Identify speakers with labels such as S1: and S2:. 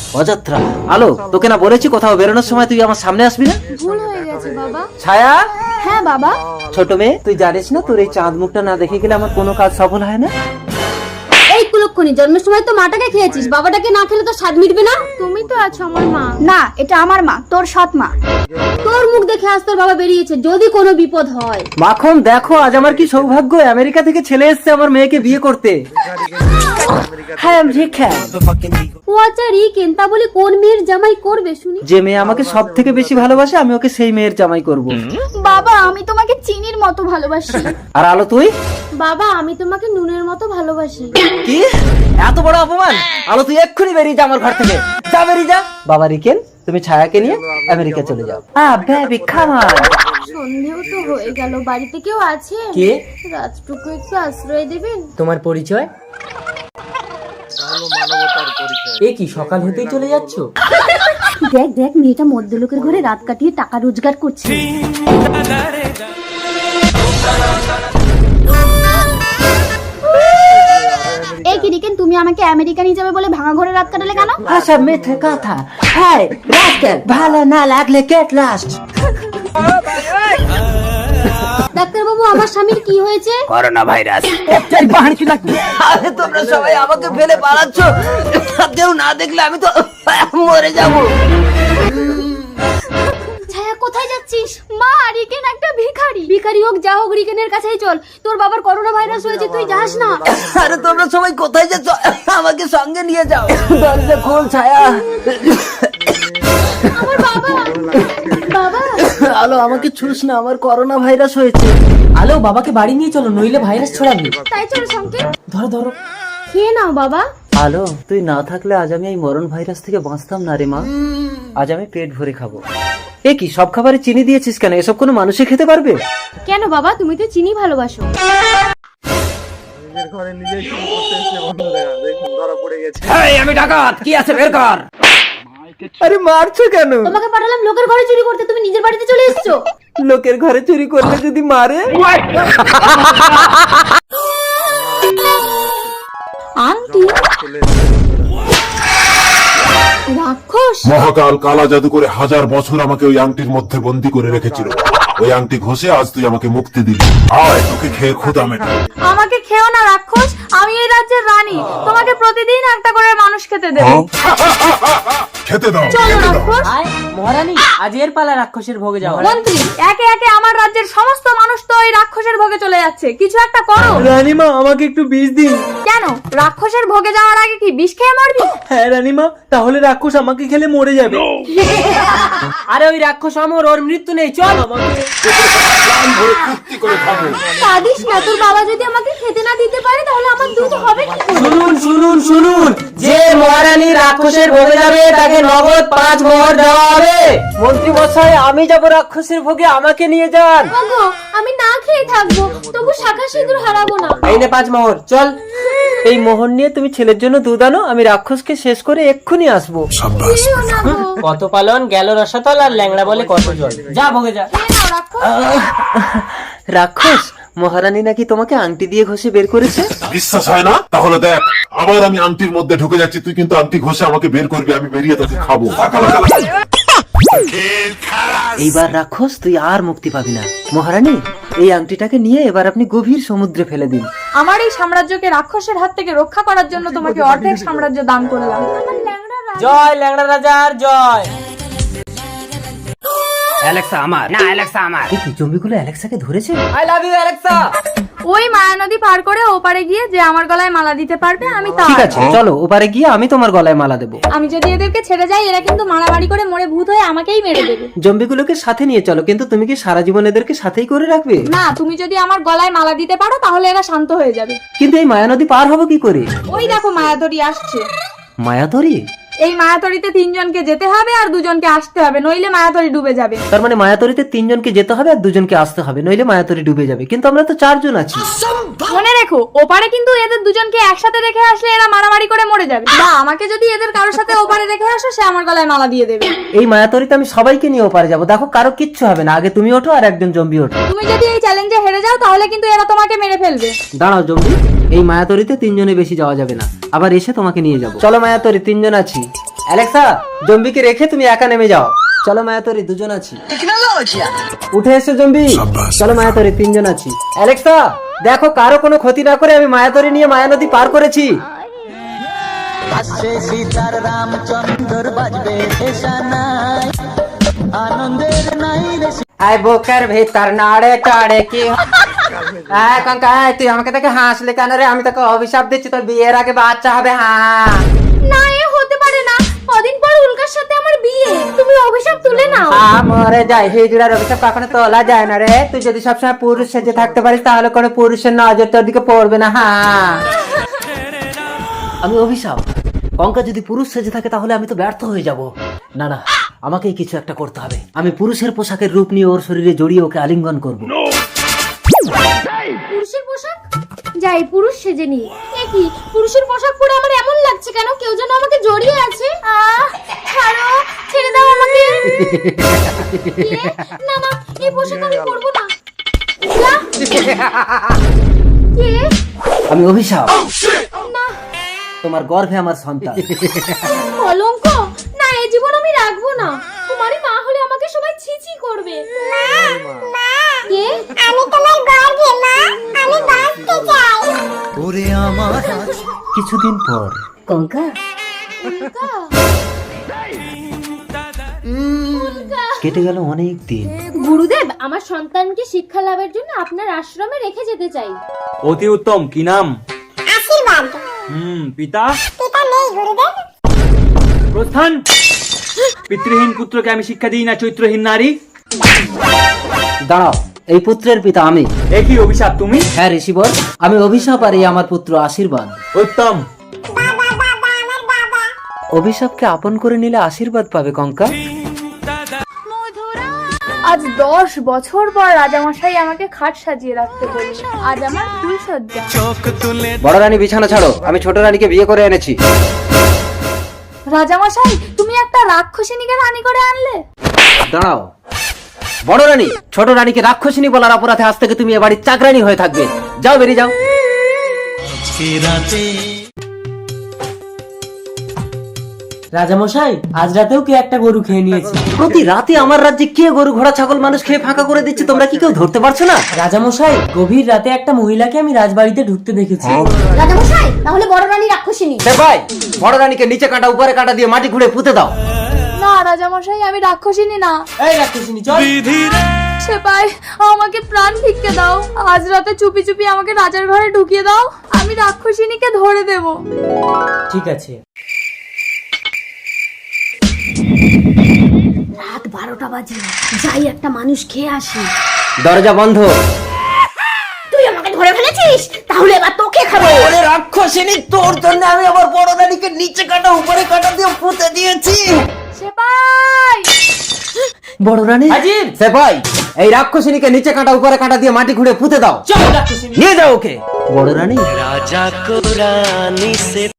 S1: অযত্রা। আলো, তোকে না বলেছি কোথাও বেরোনোর সময় তুই আমার সামনে আসবি না?
S2: ভুল হয়ে গেছে বাবা।
S1: ছায়া,
S2: হ্যাঁ বাবা।
S1: ছোট মেয়ে, তুই জানিস না তোর এই চাঁদ মুখটা না দেখে গেলে আমার কোনো কাজ সফল হয় না।
S2: এই কুলক্ষণী, জন্মের সময় তো মাটাকে খেয়েছিস, বাবাটাকে না খেলে তো স্বাদ মিটবে না। তুমি তো আছো আমার মা।
S3: না, এটা আমার মা, তোর সৎ মা।
S2: তোর মুখ দেখে আজ তোর বাবা বেরিয়েছে, যদি কোনো বিপদ হয়।
S1: মাখন দেখো, আজ আমার কি সৌভাগ্য, আমেরিকা থেকে ছেলে এসছে আমার মেয়েকে বিয়ে করতে। হ্যাঁ,
S2: ও আচ্ছা রিকেন, তা বলি কোন মেয়ের জামাই করবে শুনি?
S1: যে মেয়ে আমাকে সব থেকে বেশি ভালোবাসে আমি ওকে সেই মেয়ের জামাই করব।
S3: বাবা, আমি তোমাকে চিনির মতো ভালোবাসি।
S1: আর আলো তুই?
S2: বাবা, আমি তোমাকে নুনের মতো ভালোবাসি।
S1: কি এত বড় অপমান! আলো তুই এক্ষুনি বেরিয়ে যা আমার ঘর থেকে, যা বেরিয়ে যা। বাবা রিকেন, তুমি ছায়াকে নিয়ে আমেরিকা চলে যাও। Baby come on.
S2: সন্ধেও তো হয়ে গেল, বাড়িতে কেউ আছে?
S1: কে?
S2: রাতটুকু একটু আশ্রয় দেবেন?
S1: তোমার পরিচয়? এ কি, সকাল হতেই চলে যাচ্ছ?
S2: দেখ দেখ, মেয়েটা মধ্যলোকের ঘরে রাত কাটিয়ে টাকা রোজগার করছে।
S3: এই কি রিকেন, তুমি আমাকে আমেরিকা নিয়ে যাবে বলে ভাঙা ঘরে রাত কাটালে কেন?
S1: আচ্ছা, মিথ্যে কথা। হ্যাঁ রাস্কেল, ভালো না লাগলে গেট লাস্ট।
S2: ডাক্তার বাবু, আমার স্বামীর কি হয়েছে?
S1: Corona virus. আরে তোমরা সবাই আমাকে ফেলে পালাচ্ছ, কেউ না দেখলে আমি তো মরে যাব।
S2: ছায়া, কোথায় যাচ্ছিস? মা, রিকেন একটা ভিখারি। ভিখারি হোক যা হোক, রিকেনের কাছেই চল। তোর বাবার করোনা ভাইরাস হয়েছে, তুই যাস না।
S1: আরে তোমরা সবাই কোথায় যাচ্ছ, আমাকে সঙ্গে নিয়ে যাও। দরজা খোল ছায়া।
S2: আমার বাবা। বাবা,
S1: আলো আমাকে ছুস না, আমার করোনা ভাইরাস হয়েছে। আলো, বাবাকে বাড়ি নিয়ে চলো, নইলে ভাইরাস ছড়াবে।
S2: তাই চল সঙ্গে।
S1: ধরো ধরো।
S2: খেয়ে নাও বাবা।
S1: আলো, তুই না থাকলে আজ আমি এই মরণ ভাইরাস থেকে বাঁচতাম না রে মা। আজ আমি পেট ভরে খাবো। এ কি, সব খাবারে চিনি দিয়েছিস কেন? এসব কোনো মানুষে খেতে পারবে?
S2: কেন বাবা, তুমি তো চিনি ভালোবাসো।
S1: আমি ডাকাত, কি আছে বের কর। আরে মারছো কেন?
S2: তোমাকে পাঠালাম লোকের ঘরে চুরি করতে, তুমি নিজের বাড়িতে চলে এসেছো।
S1: লোকের ঘরে চুরি করলে যদি মারে?
S2: আন্টি, রাক্ষস।
S4: মহাকাল কালা জাদু করে 1000 বছর আমাকে ওই আংটির মধ্যে বন্দী করে রেখেছিল। ওই আংটি ঘষে আজ তুই আমাকে মুক্তি দিলি। আয়, তোকে খেয়ে ক্ষুধা মেটা।
S3: আমাকে খেও না রাক্ষস, আমি এই রাজ্যের রানী। তোমাকে প্রতিদিন একটা করে মানুষ খেতে দেব।
S4: খেতে দাও,
S3: চলো
S4: খেতে দাও।
S3: রাক্ষস।
S1: মহারানী, আজ এর পালা রাক্ষসের ভোগে যাওয়া।
S3: মন্ত্রী, একে একে আমার রাজ্যের সমস্ত মানুষ তো ওই রাক্ষসের ভোগে চলে যাচ্ছে, কিছু একটা করো।
S1: রানীমা, আমাকে একটু বিষ দিন।
S3: কেন, রাক্ষসের ভোগে যাওয়ার আগে কি বিষ খেয়ে মরবি?
S1: হ্যাঁ রানীমা, তাহলে রাক্ষস আমাকে খেলে মরে যাবে। আরে ওই রাক্ষস অমর, ওর মৃত্যু নেই, চল।
S4: প্রাণ ভরে তৃপ্তি করে খাবো।
S2: কাঁদিস না, তোর বাবা যদি আমাকে খেতে না দিতে পারে তাহলে আমার দুধ হবে কি করে?
S1: শুনুন শুনুন শুনুন, যে মহারানী রাক্ষসের ভোগে যাবে তাকে নগদ 5 মোহর দেওয়া হবে। মন্ত্রী মশাই, আমি যাব রাক্ষসের ভোগে, আমাকে নিয়ে যান।
S2: ওগো, আমি না খেয়ে থাকবো, তবু শাখা সিঁদুর হারাবো না।
S1: এই নে 5 মোহর, চল। এই মোহর নিয়ে তুমি ছেলের জন্য দুধ আনো, আমি রাক্ষসকে শেষ করে এক্ষুনি আসবো।
S2: খেয়েও না গো।
S1: কত পালন গেল রসাতল, আর ল্যাংড়া বলে কত জল। যা ভোগে যা।
S2: খেয়ে নাও রাক্ষস।
S1: রাক্ষস, মহারানী নাকি তোমাকে আংটি দিয়ে ঘষে বের করেছে।
S4: বিশ্বাস হয় না? তাহলে দেখ, আবার আমি আংটির মধ্যে ঢুকে যাচ্ছি, তুই কিন্তু আংটি ঘষে আমাকে বের করবি, আমি বেরিয়ে তোকে খাবো।
S1: এইবার রাক্ষস তুই আর মুক্তি পাবি না। মহারানী, এই আংটিটাকে নিয়ে এবার আপনি গভীর সমুদ্রে ফেলে দিন।
S3: আমার এই সাম্রাজ্যকে রাক্ষসের হাত থেকে রক্ষা করার জন্য তোমাকে অর্ধেক সাম্রাজ্য দান করলাম।
S1: জয় ল্যাংড়া রাজার জয়। অ্যালেক্সা আমার না, অ্যালেক্সা আমার। কি জম্বিগুলো অ্যালেক্সাকে ধরেছে? I love you Alexa.
S3: ওই মায়া নদী পার করে ওপারে গিয়ে যে আমার গলায় মালা দিতে পারবে, আমি তার।
S1: ঠিক আছে, চলো ওপারে গিয়ে আমি তোমার গলায় মালা দেবো।
S3: আমি যদি এদেরকে ছেড়ে যাই, এরা কিন্তু মারামারি করে মরে ভূত হয়ে আমাকেই মেরে দেবে।
S1: জম্বিগুলোকে সাথে নিয়ে চলো, কিন্তু তুমি কি সারা জীবন এদেরকে সাথেই করে রাখবে?
S3: না, তুমি যদি আমার গলায় মালা দিতে পারো তাহলে এরা শান্ত হয়ে যাবে।
S1: কিন্তু এই মায়ানদী পার হবো কি করে?
S3: ওই দেখো মায়াতরি আসছে।
S1: মায়াতরি?
S3: এই মায়াতরিতে 3 জনকে যেতে হবে আর 2 জনকে আসতে হবে, নইলে মায়াতরি ডুবে যাবে।
S1: তার মানে মায়াতরিতে 3 জনকে যেতে হবে আর 2 জনকে আসতে হবে, নইলে মায়াতরি ডুবে যাবে। কিন্তু আমরা তো 4 জন আছি।
S3: মনে রেখো, ওপারে কিন্তু এদের 2 জনকে একসাথে রেখে আসলে এরা মারামারি করে মরে যাবে। বা আমাকে যদি এদের কারোর সাথে ওপারে রেখে আসো, সে আমার গলায় মালা দিয়ে দেবে।
S1: এই মায়াতরিতে আমি সবাইকে নিয়ে ওপারে যাবো। দেখো, কারো কিচ্ছু হবে না। আগে তুমি ওঠো আর একজন জম্বি ওঠো।
S3: তুমি যদি এই চ্যালেঞ্জে হেরে যাও তাহলে কিন্তু এরা তোমাকে মেরে ফেলবে।
S1: দাঁড়াও জম্বি, এই মায়াতরিতে 3 জনে বেশি যাওয়া যাবে না, আবার এসে তোমাকে নিয়ে যাবো। চলো মায়াতরি, 3 জন আছি। অ্যালেক্সা, জম্বিকে রেখে তুমি একা নেমে যাও। চলো মায়াতরি, দুজন আছি। উঠে এসো জম্বি। চলো মায়াতরি, তিনজন আছি। অ্যালেক্সা, দেখো কারো কোনো ক্ষতি না করে আমি মায়াতরি নিয়ে মায়া নদী পার করেছি। আয় বুকের ভিতর নাড়ে টাড়ে কি আয় কঙ্কা, আয়, তুই আমাকে দেখে হাসলে কেন রে? আমি তোকে অভিশাপ দিচ্ছি, তোর বিয়ের আগে বাচ্চা হবে। হ্যাঁ
S2: না, এ হতে পারে না। কদিন পর উল্কার সাথে আমার বিয়ে, তুমি অভিশাপ তুলে নাও।
S1: মরে যায়, হিজড়ার অভিশাপ কখনো তোলা যায় না রে। তুই যদি সবসময় পুরুষ সেজে থাকতে পারিস তাহলে কোনো পুরুষের নজর তোর দিকে পড়বে না। হ্যাঁ, আমি অভিশাপ, কঙ্কা যদি পুরুষ সেজে থাকে তাহলে আমি তো ব্যর্থ হয়ে যাব। না না, আমাকেই কিছু একটা করতে হবে। আমি পুরুষের পোশাকের রূপ নিয়ে ওর শরীরে জড়িয়ে ওকে আলিঙ্গন করব।
S2: পুরুষের পোশাক? যাই, পুরুষ সেজে নি। এ কি, পুরুষের পোশাক পরে আমার এমন লাগছে কেন? কেউ যেন আমাকে জড়িয়ে আছে। ছাড়ো, ছেড়ে দাও আমাকে। না না, এই পোশাক আমি পরবো না। যা। কে?
S1: আমি অভিশাপ,
S2: না,
S1: তোমার গর্ভে আমার সন্তান।
S2: কলঙ্ক। না, এই জীবন আমি রাখবো না। তোমারই মা হলে আমাকে সবাই ছিছি করবে। কে? আমি তোমার গর্ভে মা, আমি বাঁচতে চাই।
S1: ওরে আমার কিছুদিন পর
S2: কঙ্কা।
S1: কেটে গেল অনেক দিন।
S2: গুরুদেব, আমার সন্তানকে শিক্ষা লাভের জন্য আপনার আশ্রমে রেখে যেতে চাই।
S5: অতি উত্তম। কি নাম?
S2: আশীর্বাদ।
S5: পিতা?
S2: পিতা নেই গুরুদেব।
S5: প্রস্থান। পিতৃহীন পুত্রকে আমি শিক্ষা দিই না, চরিত্রহীন নারী।
S1: দাঁড়াও, এই পুত্রের পিতা আমি।
S5: একই অভিশাপ তুমি?
S1: হ্যাঁ ঋষিবর, আমি অভিশাপ আর এই আমার পুত্র আশীর্বাদ।
S5: উত্তম।
S1: অভিশাপকে আপন করে নিলে আশীর্বাদ পাবে কঙ্কা।
S3: আজ 10 বছর পর রাজামশাই আমাকে খাট সাজিয়ে রাখতে বলল। আজ আমার ফুলসজ্জা।
S1: বড় রানী বিছানা ছাড়ো, আমি ছোট রানীকে বিয়ে করে এনেছি।
S3: রাজামশাই, তুমি একটা রাক্ষসিনীকে রানী করে আনলে।
S1: দাঁড়াও, বড় রানী ছোট রানীকে রাক্ষসিনী বলার অপরাধে আজ থেকে তুমি এ বাড়ির চাকরানী হয়ে থাকবে। যাও, বেরিয়ে যাও।
S6: রাজামশাই, আজ রাতেও কে একটা গরু খেয়ে নিয়েছে।
S1: প্রতি রাতে আমার রাজ্যে কে গরু ঘোড়া ছাগল মানুষ খেয়ে ফাঁকা করে দিচ্ছে, তোমরা কি কেউ ধরতে পারছো না?
S6: রাজামশাই, গভীর রাতে একটা মহিলাকে আমি রাজবাড়িতে ঢুকতে দেখেছি।
S2: রাজামশাই, তাহলে বড় রানী রাক্ষসিনী।
S1: ভাই, বড় রানীকে নিচে কাটা উপরে কাটা দিয়ে মাটি ঘুরে পুঁতে দাও।
S3: না রাজামশাই, আমি রাক্ষসিনী না।
S6: এই রাক্ষসিনী, চল।
S3: সেপাই, আমাকে প্রাণ ভিক্ষে দাও। আজ রাতে চুপি চুপি আমাকে রাজার ঘরে ঢুকিয়ে দাও। আমি রাক্ষসিনীকে ধরে দেব।
S6: ঠিক আছে।
S2: রাত 12টা বাজে, যাই একটা মানুষ খেয়ে আসি।
S1: দরজা বন্ধ।
S2: তুই আমাকে ধরে ফেলেছিস, তাহলে এবার তোকে খাবো।
S1: ওরে রাক্ষসিনী, তোর জন্য আমি আমার বড় রানীকে নিচে কাটা উপরে কাটা দিয়ে পুঁতে দিয়েছি।
S3: সেপাই,
S1: বড় রানী
S6: হাজির।
S1: ভাই, এই রাক্ষসিনীকে নিচে কাটা উপরে কাটা দিয়ে মাটি ঘুরে পুঁতে দাও।
S6: চল রাক্ষসিনী।
S1: নিয়ে যাও ওকে। বড় রানী